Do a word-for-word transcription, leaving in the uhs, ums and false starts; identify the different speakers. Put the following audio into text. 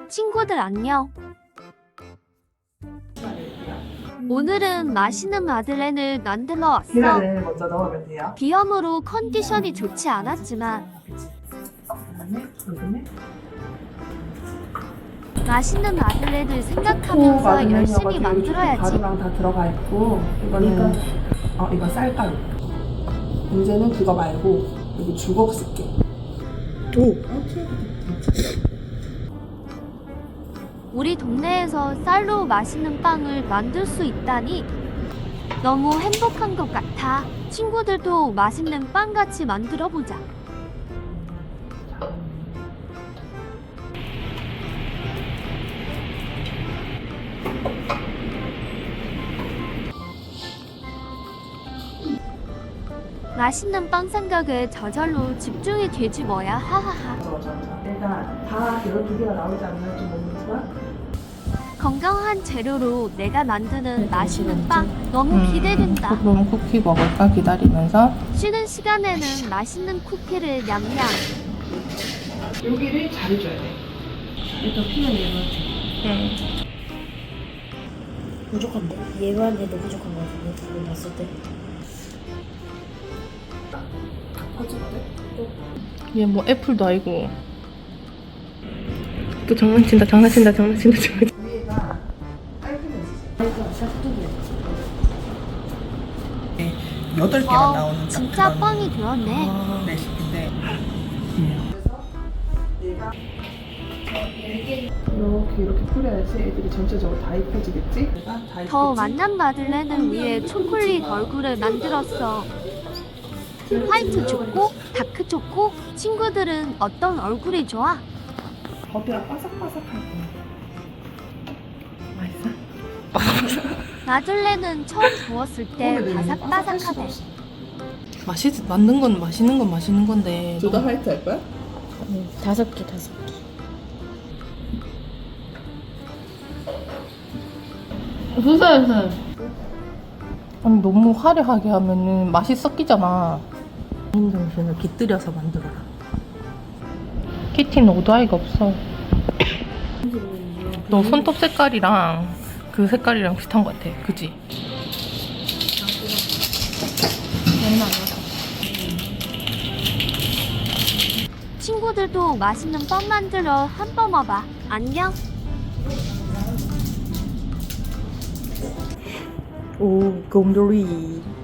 Speaker 1: 친구들 안녕. 오늘은 맛있는 마들렌을 만들어 왔어.
Speaker 2: 계란을 먼저 넣으면 돼요.
Speaker 1: 비염으로 컨디션이 좋지 않았지만
Speaker 2: 그다음에 여기는
Speaker 1: 맛있는 마들렌을 생각하면서 열심히 만들어야지.
Speaker 2: 가루랑 다 들어가 있고 이거는 어 이거 쌀가루. 이제는 그거 말고 여기 주걱 쓸게. 오.
Speaker 1: 우리 동네에서 쌀로 맛있는 빵을 만들 수 있다니 너무 행복한 것 같아. 친구들도 맛있는 빵 같이 만들어 보자. 맛있는 빵 생각에 저절로 집중이 되지 뭐야. 하하하.
Speaker 2: 맞아 맞아 맞아. 일단 다 이런 두 개가 나오지 않으면 좀 모르지만
Speaker 1: 건강한 재료로 내가 만드는 맛있는 빵 너무 기대된다.
Speaker 2: 그럼 쿠키 먹을까 기다리면서
Speaker 1: 쉬는 시간에는 맛있는 쿠키를 냠냠.
Speaker 2: 여기를 잘해줘야 돼. 일단 피면 얘한테.
Speaker 1: 네.
Speaker 3: 부족한데? 얘한테도 부족한 거 같은데? 그거 봤을 때?
Speaker 2: 퍼질 때?
Speaker 4: 얘 뭐 애플도 아니고 또 장난친다 장난친다 장난친다 장난친다.
Speaker 2: 위에가 깔끔해지지.
Speaker 3: 이거 샤프트도
Speaker 2: 여덟 개만
Speaker 1: 와,
Speaker 2: 나오는
Speaker 1: 진짜
Speaker 2: 그런
Speaker 1: 빵이 되었네.
Speaker 2: 레시피인데. 그래서 얘가 이렇게 이렇게 뿌려야지 애들이 전체적으로 다 입혀지겠지? 얘가 다
Speaker 1: 더
Speaker 2: 입혔지?
Speaker 1: 만난 마들렌을 위해 초콜릿 얼굴을 만들었어. 화이트 초코, 다크 초코. 친구들은 어떤 얼굴이 좋아?
Speaker 2: 겉이랑 바삭바삭할 거야.
Speaker 4: 맛있어?
Speaker 1: 마들렌은 처음 구웠을 때 바삭바삭하대.
Speaker 4: 맛있 만든 건 맛있는 건 맛있는 건데
Speaker 2: 둘 다 화이트 할 거야?
Speaker 3: 응, 다섯 개, 다섯 개.
Speaker 4: 수사에서 아니 너무 화려하게 하면은 맛이 섞이잖아. 개인 정신을 깃들여서 만들어라. 키티는 오도아이가 없어. 너 손톱 색깔이랑 그 색깔이랑 비슷한 것 같아. 그지?
Speaker 1: 친구들도 맛있는 빵 만들어 한번 와봐. 안녕.
Speaker 4: 오 곰돌이.